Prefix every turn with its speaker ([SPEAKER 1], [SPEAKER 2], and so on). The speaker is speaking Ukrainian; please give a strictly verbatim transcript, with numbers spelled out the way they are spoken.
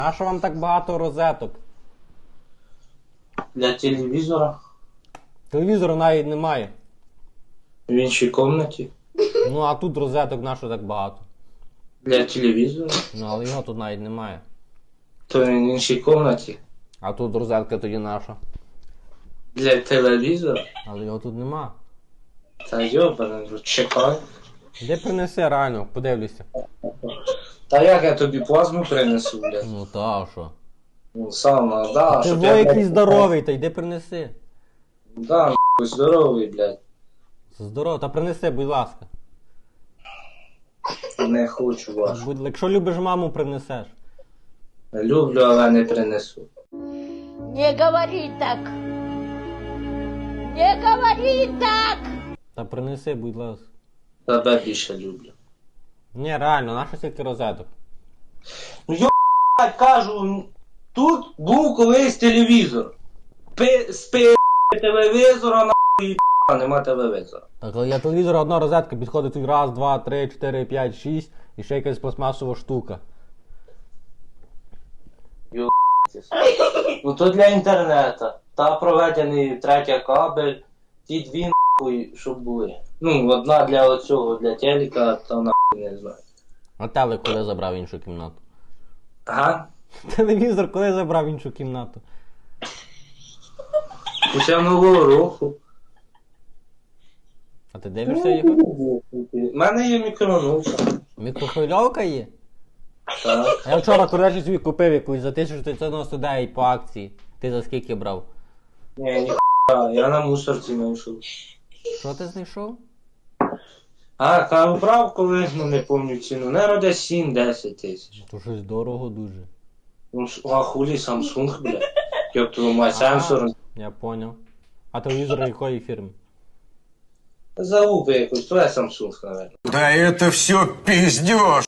[SPEAKER 1] А що вам так багато розеток?
[SPEAKER 2] Для телевізора.
[SPEAKER 1] Телевізору навіть немає.
[SPEAKER 2] В іншій кімнаті.
[SPEAKER 1] Ну а тут розеток на що так багато?
[SPEAKER 2] Для телевізора.
[SPEAKER 1] Ну але його тут навіть немає.
[SPEAKER 2] То він в іншій кімнаті.
[SPEAKER 1] А тут розетка тоді наша.
[SPEAKER 2] Для телевізора.
[SPEAKER 1] Але його тут нема.
[SPEAKER 2] Та йобане, чекай.
[SPEAKER 1] Де принеси реально, подивлюся.
[SPEAKER 2] Та як я тобі плазму принесу, блядь?
[SPEAKER 1] Ну та а що?
[SPEAKER 2] Ну сам, да,
[SPEAKER 1] Ти
[SPEAKER 2] щоб
[SPEAKER 1] во
[SPEAKER 2] я,
[SPEAKER 1] якийсь
[SPEAKER 2] блядь,
[SPEAKER 1] здоровий, та йди принеси.
[SPEAKER 2] Да, нахуй, здоровий, блядь.
[SPEAKER 1] Здорово, та принеси, будь ласка.
[SPEAKER 2] Не хочу ваш.
[SPEAKER 1] Будь, якщо любиш маму, принесеш.
[SPEAKER 2] Люблю, але не принесу.
[SPEAKER 3] Не говори так. Не говори так.
[SPEAKER 1] Та принеси, будь ласка.
[SPEAKER 2] Тебе більше люблю.
[SPEAKER 1] Ні, реально, нащо стільки розеток?
[SPEAKER 2] Ну йо, блядь, кажу, тут був колись телевізор. Пи, спи телевізора, нахуй, і нема телевізора.
[SPEAKER 1] Так, але я телевізор, одна розетка, підходить тут раз, два, три, чотири, п'ять, шість і ще якась пластмасова штука.
[SPEAKER 2] Ну то для інтернету. Та проведений третя кабель, ті дві нахуй, щоб були. Ну, одна для оцього, для телека, та нахуй не знаю.
[SPEAKER 1] А телек коли забрав в іншу кімнату?
[SPEAKER 2] Ага.
[SPEAKER 1] Телевізор коли забрав в іншу кімнату?
[SPEAKER 2] Після нового року.
[SPEAKER 1] А ти дивишся його?
[SPEAKER 2] У мене є мікроволновка.
[SPEAKER 1] Мікрохвильовка є?
[SPEAKER 2] Так.
[SPEAKER 1] А я вчора, коротше, собі купив якусь за тисячу дев'ятсот дев'яносто дев'ять по акції. Ти за скільки брав?
[SPEAKER 2] Ні, ні, я на мусорці знайшов.
[SPEAKER 1] Що ти знайшов?
[SPEAKER 2] А, та брав колись, ну не пам'ятаю ціну. Наверно, десь сім-десять тисяч.
[SPEAKER 1] То щось дорого дуже.
[SPEAKER 2] Ну, а хулі Samsung, бля. Як твою мать, сенсор.
[SPEAKER 1] Я поняв. А телевізор якої фірми?
[SPEAKER 2] Залупи якось, то я Samsung, наверное.
[SPEAKER 4] Да это все пиздеж.